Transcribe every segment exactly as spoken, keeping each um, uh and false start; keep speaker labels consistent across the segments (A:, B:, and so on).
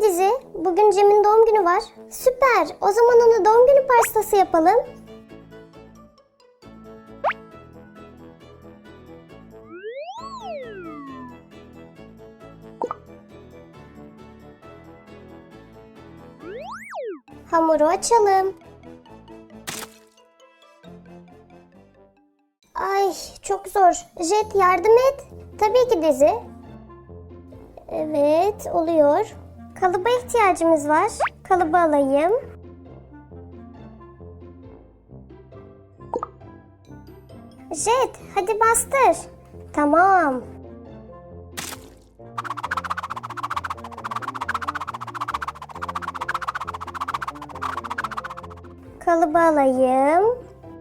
A: Peki Dizi, bugün Cem'in doğum günü var. Süper, o zaman ona doğum günü pastası yapalım. Hamuru açalım. Ay çok zor. Jet yardım et. Tabii ki Dizi. Evet oluyor. Kalıba ihtiyacımız var. Kalıbı alayım. Jet hadi bastır. Tamam. Kalıbı alayım.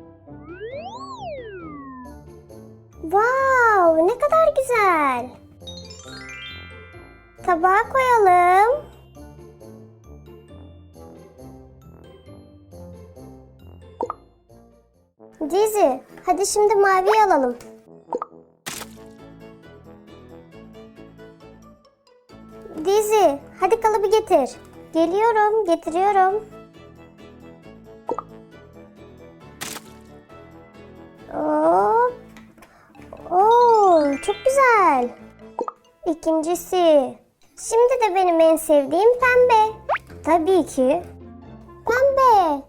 A: Wow, ne kadar güzel. Tabağa koyalım. Dizi, hadi şimdi maviyi alalım. Dizi, hadi kalıbı getir. Geliyorum, getiriyorum. Hop. Oo, çok güzel. İkincisi. Şimdi de benim en sevdiğim pembe. Tabii ki. Pembe.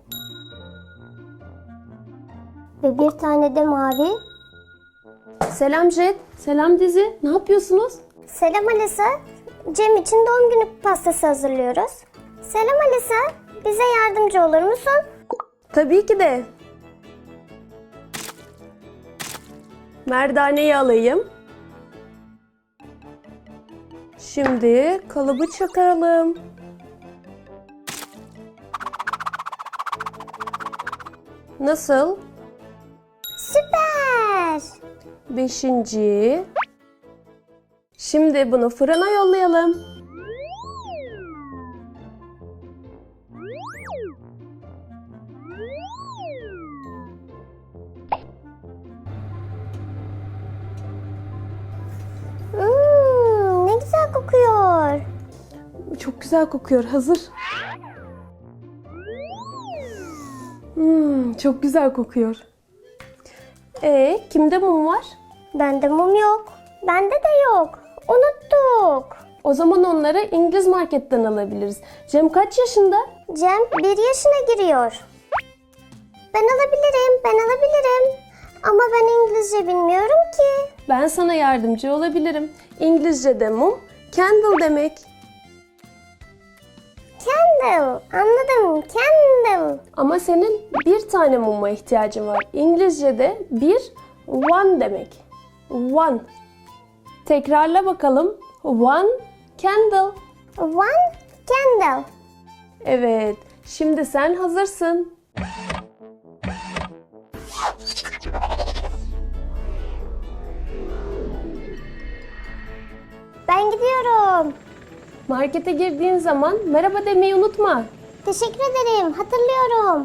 A: Ve bir tane de mavi.
B: Selam Jet, selam Dizi. Ne yapıyorsunuz?
A: Selam Alisa. Cem için doğum günü pastası hazırlıyoruz. Selam Alisa. Bize yardımcı olur musun?
B: Tabii ki de. Merdaneyi alayım. Şimdi kalıbı çıkaralım. Nasıl?
A: Süper.
B: Beşinci. Şimdi bunu fırına yollayalım.
A: Hmm, ne güzel kokuyor.
B: Çok güzel kokuyor. Hazır. Hmm, çok güzel kokuyor. Ee, kimde mum var?
A: Bende mum yok. Bende de yok. Unuttuk.
B: O zaman onları İngiliz marketten alabiliriz. Cem kaç yaşında?
A: Cem bir yaşına giriyor. Ben alabilirim, ben alabilirim. Ama ben İngilizce bilmiyorum ki.
B: Ben sana yardımcı olabilirim. İngilizce'de mum, candle demek.
A: Candle, anladım, candle.
B: Ama senin bir tane muma ihtiyacın var. İngilizce'de bir, one demek. One. Tekrarla bakalım. One candle.
A: One candle.
B: Evet. Şimdi sen hazırsın.
A: Ben gidiyorum.
B: Markete girdiğin zaman merhaba demeyi unutma.
A: Teşekkür ederim, hatırlıyorum.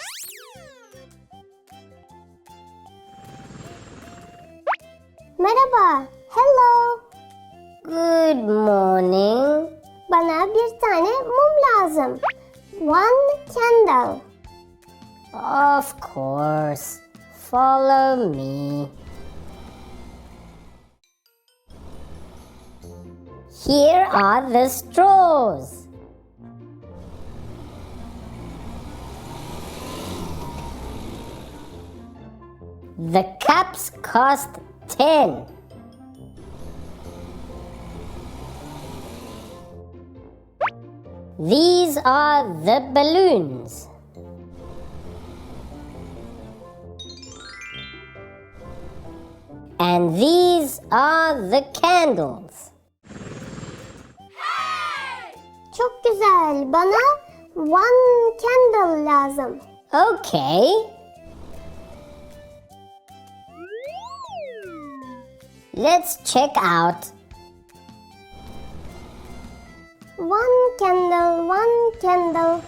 A: Merhaba, hello. Good morning. Bana bir tane mum lazım. One candle.
C: Of course. Follow me. Here are the straws. The cups cost ten. These are the balloons. And these are the candles.
A: Çok güzel. Bana one candle lazım.
C: Okay. Let's check out.
A: One candle, one candle.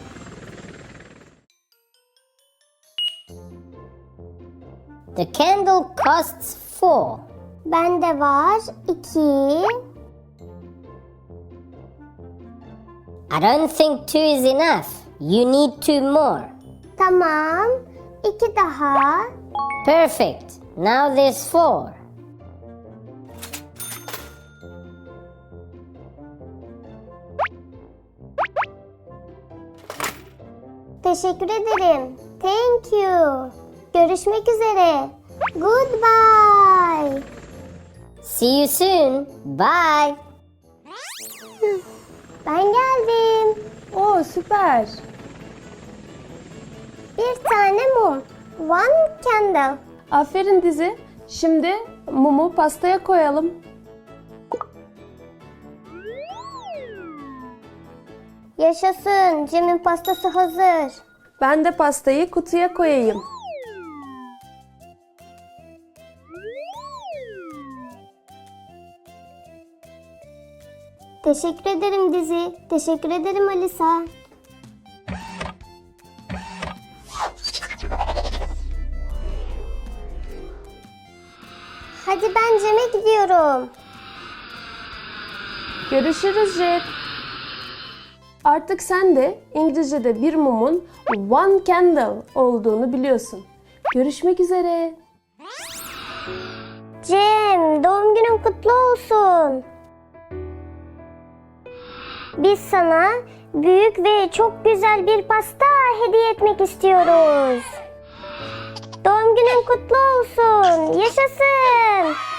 C: The candle costs four.
A: Bende var iki.
C: I don't think two is enough. You need two more.
A: Tamam. İki daha.
C: Perfect. Now there's four.
A: Teşekkür ederim. Thank you. Görüşmek üzere. Goodbye.
C: See you soon. Bye.
A: Ben geldim.
B: Oo, süper.
A: Bir tane mum. One candle.
B: Aferin Dizi. Şimdi mumu pastaya koyalım.
A: Yaşasın. Cem'in pastası hazır.
B: Ben de pastayı kutuya koyayım.
A: Teşekkür ederim Dizi. Teşekkür ederim Alisa. Hadi ben Cem'e gidiyorum.
B: Görüşürüz Jet. Artık sen de İngilizce'de bir mumun one candle olduğunu biliyorsun. Görüşmek üzere.
A: Cem, doğum günün kutlu olsun. Biz sana büyük ve çok güzel bir pasta hediye etmek istiyoruz. Doğum günün kutlu olsun. Yaşasın.